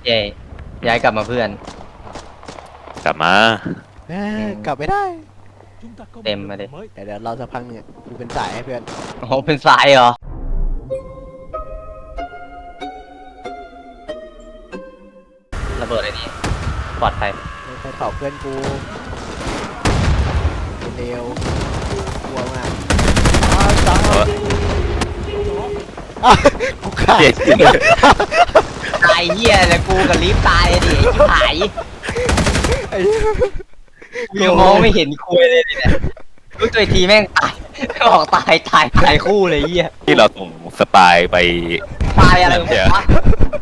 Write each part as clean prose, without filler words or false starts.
เย่ย้ายกลับมาเพื่อนกลับมากลับไม่ได้เต็มมาดิเดี๋ยวเราสักพักเนี่ยกูเป็นสายให้เพื่อนโอ้โหเป็นสายเหรอระเบิดอะไรนี่ปลอดภัยไปเผาเพื่อนกูเร็วกลัวมากจังกูขาดเจ็ดตายเหี้ยเลยกูกับลิฟต์ตายดิชิบหายไอ้กูยังมองไม่เห็นคุยเลยเนี่ยรู้ตัวอีกทีแม่งตายบอกตายคู่เลยเหี้ยที่เราส่งสปายไปตายอะไรวะ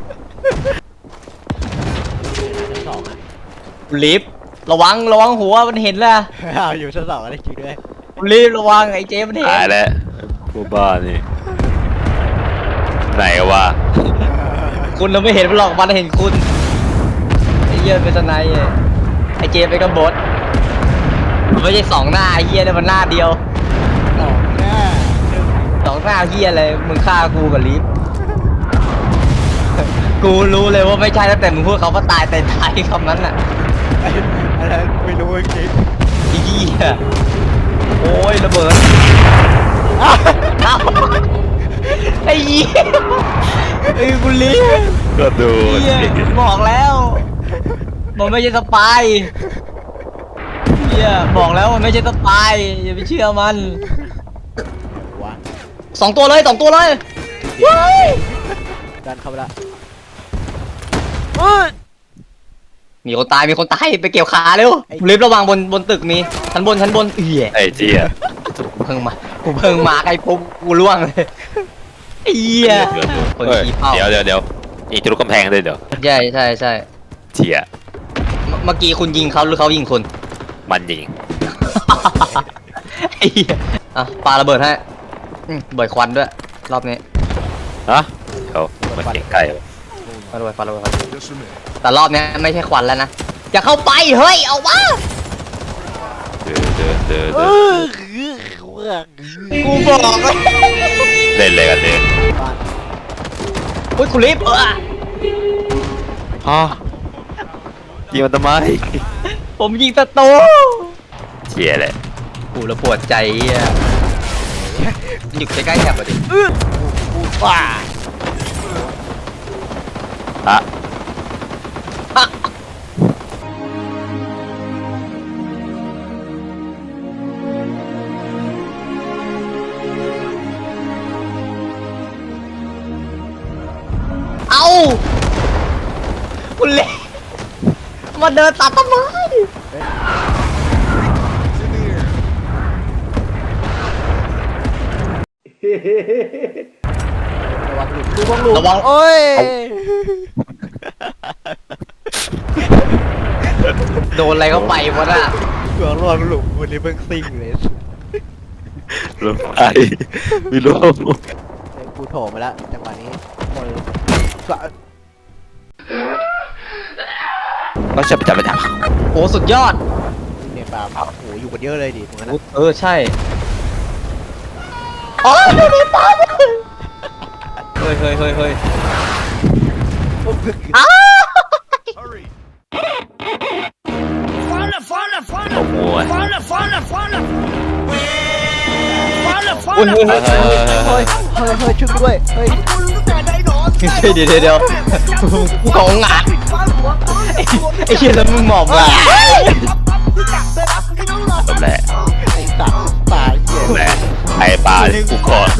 ชั้นสองอ่ะลิฟต์ระวังหัวมันเห็นแล้วอยู่ชั้นสองอะไรจริงด้วยลิฟต์ระวังไอ้เจมันเห็นตายแล้วพวกบ้านี่ไหนวะคุณเราไม่เห็นมันหรอกมันเห็นคุณไอ้เหี้ยเป็นสไนด์ไอ้เจเป็นกบฏมันไม่ใช่สองหน้าไอ้เหี้ยเนี่ยมันหน้าเดียวสองหน้าสองหน้าเหี้ยอะไรมึงฆ่ากูกับลิฟต์กูรู้เลยว่าไม่ใช่ตั้งแต่มึงพูดเขาว่าตายแต่ตายคำนั้นน่ะอะไรไม่รู้จริงไอ้เหี้ยโอ้ยระเบิดเอ้าไอ้เหี้ยไอ้กูลิฟต์ก็ดูเหี้ยบอกแล้วมันไม่ใช่สปายเหี้ยบอกแล้วมันไม่ใช่สปายอย่าไปเชื่อมันวะสองตัวเลยว้ายดันเข้าไปละมีคนตายไปเกี่ยวขาเร็วลิฟต์ระวังบนตึกมีชั้นบนเหี้ยไอ้เจี๊ยกูเพิ่งมาไอ้ปุ๊บกูล่วงเลยไอ้เหี้ยคนขี้เป้าเดี๋ยวอีกทะลุกำแพงเลยเดี๋ยวใช่เจี๊ยเมื่อกี้คุณยิงเขาหรือเขายิงคุณมันยิงไอ้เหี้ยอ่ะปาระเบิดให้บ่อยควันด้วยรอบนี้ฮะเดี๋ยวมันเสียงไก่วะปาระเบิดแต่รอบนี้ไม่ใช่ควันแล้วนะอย่าเข้าไปเฮ้ยเอาวะเดินกูบอกเลยเล่นเลยกันเลยบ้านอุ้ยคุณลิฟต์ฮะยิงมันทำไมผมยิงศัตรูเจี๊ยเลยกูระปวดใจอ่ะอยู่ใกล้ๆแถบอ่ะดิกูป่าอะเอาคุณลิฟต์มาเดินตัดต้นไม้ระวังหลุมโอ้ยโดนอะไรเข้าไปวะน่ะระวังหลุมวันนี้เพิ่งซิ่งเลยรถไฟไม่รู้กูโถมาแล้วจังหวะนี้คนก็ต้องจับไปจับโอ้สุดยอดเนี่ยปลาโอ้โหอยู่กันเยอะเลยดิตรงนั้นนะใช่อ๋อดูดิตายเฮ้ยอ้าขโมยอุ้ยเฮ้ยช่วยด้วยเฮ้ยเดี๋ยวกูของงานไอ้เหี้ยแล้วมึงหมอบงาจบแหละไอ้สัตว์ปลาเหี้ยแหละไอ้ปลากูขอ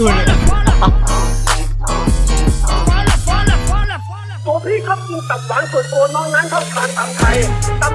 ตัวพี่ครับกินตับหวานส่วนตัวน้องนั้นชอบทานตำไทยต